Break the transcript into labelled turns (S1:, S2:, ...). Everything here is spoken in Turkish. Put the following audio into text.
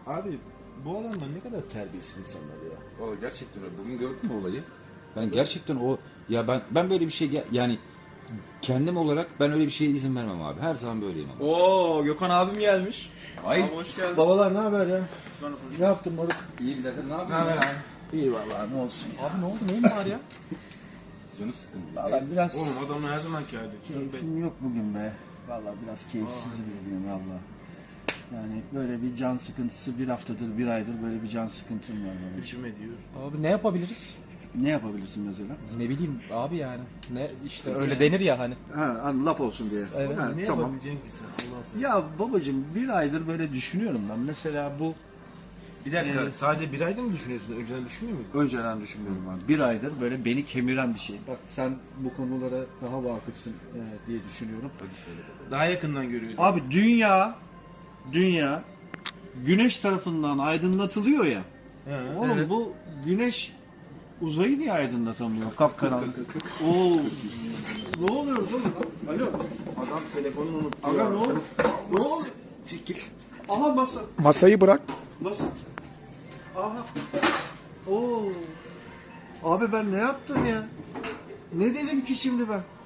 S1: Abi bu adamlar ne kadar terbiyesiz insanlar ya.
S2: Vallahi gerçekten öyle. Bugün gördün mü olayı? Ben gerçekten ya ben böyle bir şey yani kendim olarak ben öyle bir şeye izin vermem abi. Her zaman böyleyim ama.
S3: Oo, Gökhan abim gelmiş.
S2: Ay.
S3: Abi hoş geldin.
S1: Babalar ne haber ya?
S3: Sonra
S1: Ne yaptın moruk?
S2: İyi birader ne
S3: Ne
S2: yapıyorsun?
S3: haber
S2: ya?
S3: abi?
S1: İyi vallahi ne olsun.
S3: Abi ne oldu? Neyin var ya?
S2: Canı sıkın.
S1: Valla biraz
S3: Oğlum adamın her zamanki hali.
S1: keyfim yok bugün be. Valla biraz keyifsiz bir valla. Yani böyle bir can sıkıntısı bir haftadır, bir aydır böyle bir can sıkıntım var benim.
S3: İçim ediyor.
S4: Abi ne yapabiliriz?
S1: Ne yapabilirsin mesela?
S4: Ne bileyim abi yani. Ne işte öyle denir ya hani.
S1: Hani laf olsun diye.
S4: Evet.
S1: Ha,
S3: Ne
S1: tamam.
S3: yapabileceksin ki sen Allah sen?
S1: Ya babacığım bir aydır böyle düşünüyorum ben. Mesela bu
S3: Bir dakika sadece bir ayda mı düşünüyorsun? Önceden düşünmüyor muydun?
S1: önceden düşünmüyorum ben. Bir aydır böyle beni kemiren bir şey. Bak sen bu konulara daha vakıfsın diye düşünüyorum.
S3: Daha yakından görüyorsun.
S1: Abi dünya güneş tarafından aydınlatılıyor ya.
S3: Ha,
S1: Oğlum
S3: evet.
S1: bu güneş uzayı niye aydınlatamıyor? Kapkaranlık. Oo. Ne oluyoruz oğlum? Alo.
S3: Adam telefonunu unuttu.
S1: Aga
S3: ya.
S1: ne oldu? Ne oldu?
S3: Çekil.
S1: Aha masa.
S5: Masayı bırak.
S1: Masa. Aha. Oo. Abi ben ne yaptım ya? Ne dedim ki şimdi ben?